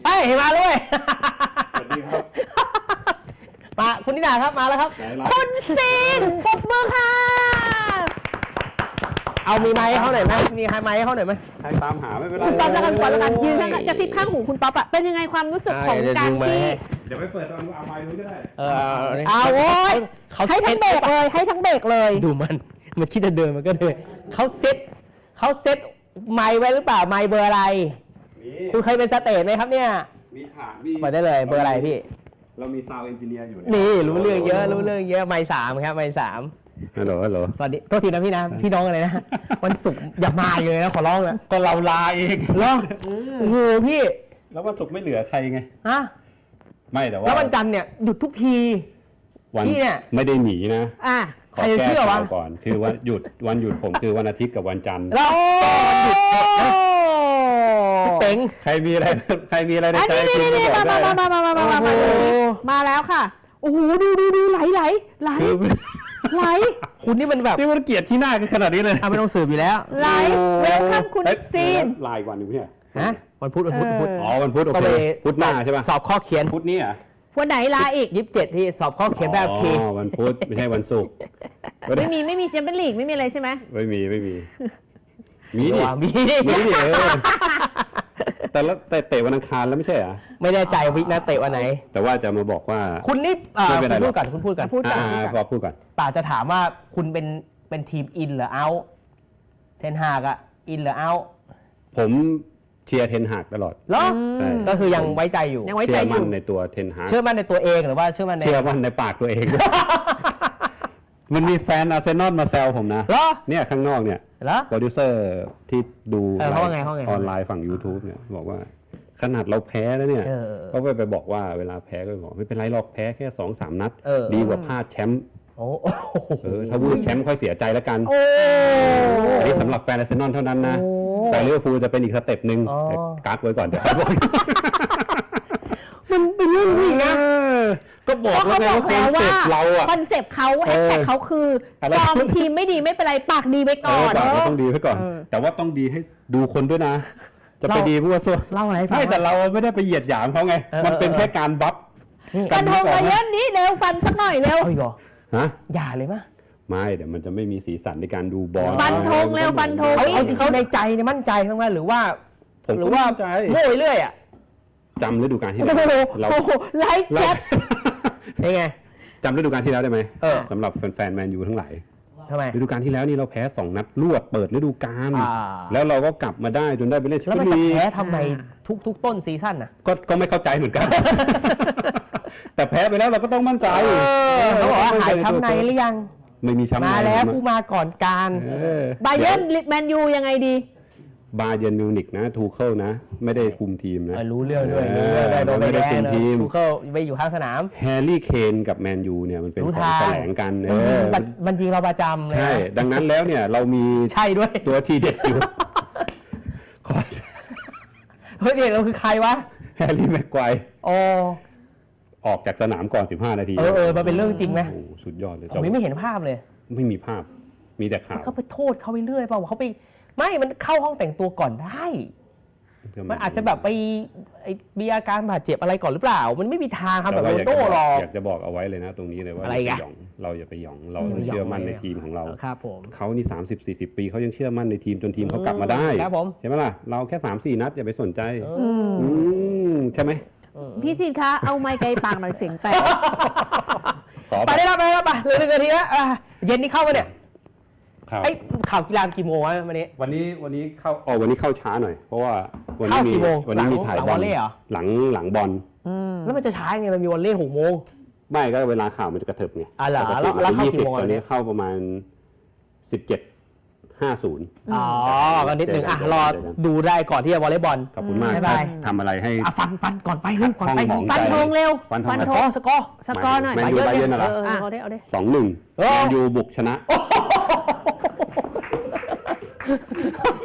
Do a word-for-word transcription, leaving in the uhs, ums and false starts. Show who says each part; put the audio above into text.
Speaker 1: เอ้ยมาเลย
Speaker 2: สวัสดีครับ
Speaker 1: มาคุณนิดาครับมาแล้วครับ
Speaker 3: คุณซีนปรบมือค่ะ
Speaker 1: เอามีไม้ให้เขาหน่อยไหมมีใครไม้ให้เขาหน่อยไหม
Speaker 2: ใครตามหาไม่เป็นไร
Speaker 3: คุณป๊อปแล้วกันก่อนแล้วกันยืนข้างกระซิบข้างหูคุณป๊อปอะเป็นยังไงความรู้สึกของการที่
Speaker 2: เดี๋ยวไปเปิดตอนเอาไม้นู้นก็ได้
Speaker 1: เออ
Speaker 3: เอาโว้ยให้ทั้งเบรกเลยให้ทั้งเบรกเลย
Speaker 1: ดูมันมันคิดจะเดินมันก็เดินเขาเซ็ตเขาเซ็ตไม้ไว้หรือเปล่าไม้เบอร์อะไรคุณเคยเป็นสเตจไหมครับเนี่ย
Speaker 2: มีฐานมี
Speaker 1: เปิดได้เลยเบอร์อะไรพี่
Speaker 2: เรามีซาวด์เอนจิเนียร์อยู่
Speaker 1: นี่รู้เรื่องเยอะรู้เรื่องเยอะไม้สามครับไม้สาม
Speaker 2: ฮัลโหลฮัลโหล
Speaker 1: สวัสดีโทษทีนะพี่นะพี่น้องอะไรนะวันศุกร์อย่ามาเลยนะขอร้องนะ
Speaker 2: ก็เราลาเอง
Speaker 1: เหรอโอ้โหพี่
Speaker 2: แล้ววันศุกร์ไม่เหลือใครไง
Speaker 1: ฮะ
Speaker 2: ไม่แต่ว่า
Speaker 1: แล้ววันจันทร์เนี่ยหยุดทุกที
Speaker 2: พี่เนี่ยไม่ได้หนีนะ
Speaker 3: อ่ะ
Speaker 1: ใครจะเชื่อวะ
Speaker 2: ก่อนคือวันหยุดวันหยุดผมคือวันอาทิตย์กับวันจันทร์
Speaker 1: แล้ววันหยุดเต็ง
Speaker 2: ใครมีอะไรใครมีอะไรในใจ
Speaker 3: คุณมามามามามามามามามาแล้วค่ะโอ้โหดูดูดูไหลไหลไหลไหล
Speaker 1: คุณนี่มันแบบ
Speaker 2: นี่มันเกลียดที่หน้ากันขนาดนี้เลย
Speaker 1: ไม่ต้องสืบอยู่แล้ว
Speaker 3: ไหลเวลคัมคุณซีน
Speaker 2: ลายวันอยู่เนี่ย
Speaker 1: ฮะวันพุธวันพุธวันพุธ
Speaker 2: อ๋อวันพุธโอเคพุธหน้าใช่ป่ะ
Speaker 1: สอบข้อเขียน
Speaker 2: พุธนี้อ่ะ
Speaker 3: วันไหนลาอีก
Speaker 1: ยี่สิบเจ็ดที่สอบข้อเขียนแบบ
Speaker 2: ทีอ๋อวันพุธไม่ใช่วันศุกร์
Speaker 3: ไม่มีไม่มีแชมเปี้ยนลีกไม่มีอะไรใช่ไหม
Speaker 2: ไม่มีไม่มีมีดิ
Speaker 1: มี
Speaker 2: มีดิเออแต่แล้วแต่เตะวันอังคารแล้วไม่ใช่เหรอ
Speaker 1: ไม่แน่ใจวิกนะเตะวันไหน
Speaker 2: แต่ว่าจะมาบอกว่า
Speaker 1: คุณนี่คุณพูดก่อนคุณพูดก่อน
Speaker 3: พูดก่อน
Speaker 2: พอพูดก่อน
Speaker 1: ป่าจะถามว่าคุณเป็นเป็นทีมอินหรือเอาเทนฮากอะอินหรือเอา
Speaker 2: ผมเชียร์เทนฮากตลอด
Speaker 1: เหรอใช่ก็คือยังไว้ใจอยู่
Speaker 3: ยังไว้ใจอยู่
Speaker 2: เชื่อมั่นในตัวเทนฮาก
Speaker 1: เชื่อมั่นในตัวเองหรือว่าเชื่อมั่นใน
Speaker 2: เชื่อมั่นในปากตัวเองมันมีแฟนอาร์เซนอลมาแซวผมนะเนี่ยข้างนอกเนี่ยโปรดิวเซอร์ที่ดูออนไลน์ฝั่ง YouTube เนี่ยบอกว่าขนาดเราแพ้แล้วเนี่ยเขาไปไปบอกว่าเวลาแพ้ก็บอกไม่เป็นไรหรอกแพ้แค่ สองสาม นัดดีกว่าพลาดแชมป์โอ้เออถ้าวูดแชมป์ค่อยเสียใจแล้วกันอันนี้สำหรับแฟนอาร์เซนอลเท่านั้นนะแฟนลิเวอร์พูลจะเป็นอีกสเต็ปหนึ่งกักไว้ก่อนเดี๋ยว
Speaker 1: มันเป็นเรื่องนี้นะ
Speaker 2: ก็บอกแล้วไงว่าคอนเซ็ปต์เราอะ
Speaker 3: คอนเซ็ปต์เขาแฮชแท็กเขาคือฟอร์มทีมไม่ดีไม่เป็นไรปากดีไว้ก่อน
Speaker 2: ปากต้องดีไว้ก่อนแต่ว่าต้องดีให้ดูคนด้วยนะจะไปดีมั่วซั่ว
Speaker 1: เล่าอะไร
Speaker 2: ไม่แต่เราไม่ได้ไปเหยียดหยามเขาไงมันเป็นแค่การบัฟ
Speaker 3: กันทงมาเยอะนี้เร็วฟันสักหน่อยเร็ว
Speaker 1: ฮะอย่าเลยมั้ย
Speaker 2: ไม่เดี๋ยวมันจะไม่มีสีสันในการดูบอล
Speaker 3: ฟันธงเร็วฟันธง
Speaker 1: เอาที่เขาในใจเนี่ยมั่นใจมั้ยหรือว่าหรือว่าโง่เรื่อยอ่ะ
Speaker 2: จำฤดูกาลที่แล้ว
Speaker 3: เราไลฟ์แชท
Speaker 1: ยังไง
Speaker 2: จำฤดูกาลที่แล้วได้ไหมสำหรับแฟนๆแมนยูทั้งหลาย
Speaker 1: ทำไม
Speaker 2: ฤดูกาลที่แล้วนี่เราแพ้สองนัดรวดเปิดฤดูกาลแล้วเราก็กลับมาได้จนได้ไปเล่นแชมเปี้ยนลีก
Speaker 1: แล้วแพ้ทำไมทุกๆต้นซีซั่นน่ะ
Speaker 2: ก็ก็ไม่เข้าใจเหมือนกันแต่แพ้ไปแล้วเราก็ต้องมั่นใจ
Speaker 1: เขาบอกว่าหายช้ำในหรือยัง
Speaker 2: ไม่มีช้ำใน
Speaker 1: มาแล้วผู้มาก่อนการ
Speaker 3: บาเยิร์นแมนยูยังไงดี
Speaker 2: บาเยิร์นมิวนิกนะทูเคิลนะไม่ได้คุมทีมนะ
Speaker 1: รู้เรื่องด้วยรู้เรื่องได้โดนไม่ได้คุมทีมทูเคิลไปอยู่ข้างสนาม
Speaker 2: แฮร์รี่เคนกับแมนยูเนี่ยมันเป็นของแสลงกันเออ
Speaker 1: มันจริงเราประจำเลย
Speaker 2: ใช่ดังนั้นแล้วเนี่ยเรามี
Speaker 1: ใช่ด้วย
Speaker 2: ตัวทีเด็ดอยู่
Speaker 1: เฮ้ยเด็กเราคือใครวะ
Speaker 2: แฮร์รี่แม็กไกวร์
Speaker 1: โอ้
Speaker 2: ออกจากสนามก่อนสิบห้านาที
Speaker 1: เออเออมันเป็นเรื่องจริงไหม
Speaker 2: โอ้สุดยอดเลย
Speaker 1: ผมไม่เห็นภาพเลย
Speaker 2: ไม่มีภาพมีแต่ข่าว
Speaker 1: เขาไปโทษเขาไปเรื่อยเปล่าเขาไปไม่มันเข้าห้องแต่งตัวก่อนได้มันอาจจะแบบไปมีอาการบาดเจ็บอะไรก่อนหรือเปล่ามันไม่มีทางทำแบบโรนัลโดหรอก
Speaker 2: อยากจะบอกเอาไว้เลยนะตรงนี้เลยว่า
Speaker 1: อะไรกัน
Speaker 2: เราอย่าไปหยองเราเชื่อมั่นในทีมของเรา
Speaker 1: ครับผม
Speaker 2: เขานี่สามสิบ สี่สิบปีเขายังเชื่อมั่นในทีมจนทีมเขากลับมาได้
Speaker 1: ครับผม
Speaker 2: ใช่ไหมล่ะเราแค่ สามสี่ นัดอย่าไปสนใจใช่ไหม
Speaker 3: พี่ซีนคะเอาไมค์ไกลปากหน่อยเสียงแตก
Speaker 1: ไปได้แล้วไปแล้วไปเลยหนึ่งนาทีแล้วเย็นนี้เข้ามาเนี่ยไอ้ข่าวกีฬากี่โมงวะวันนี้
Speaker 2: วันนี้วันนี้เข้าอ๋อวันนี้เข้าช้าหน่อยเพราะว่าวันนี้มีวันนี้มีถ่ายบอลหลังหลังบอล
Speaker 1: แล้วมันจะช้าไงมันมีวันเล่หกโมง
Speaker 2: ไม่ก็เวลาข่าวมันจะกระเถิบไง
Speaker 1: อ่ะเหรอแล้วแล้วเข้ากี่โมง
Speaker 2: ตอนนี้เข้าประมาณสิบเจ็ดห้าศูนย์
Speaker 1: อ๋อก็นิดนึงอ่ะรอดูได้ก่อนที่จะวอลเลย์บอล
Speaker 2: ขอบคุณมากทำอะไรให้
Speaker 1: ฟันฟันก่อนไปเร็วก่อนไป
Speaker 3: ฟันธงเร็ว
Speaker 2: ฟัน
Speaker 1: ธงสกอร์
Speaker 3: สกอร์หน่อย
Speaker 2: แมนยูบาเยิร์นเหรอ
Speaker 3: เอาได้เอาได้
Speaker 2: สองหนึ่งแมนยูบุกชนะ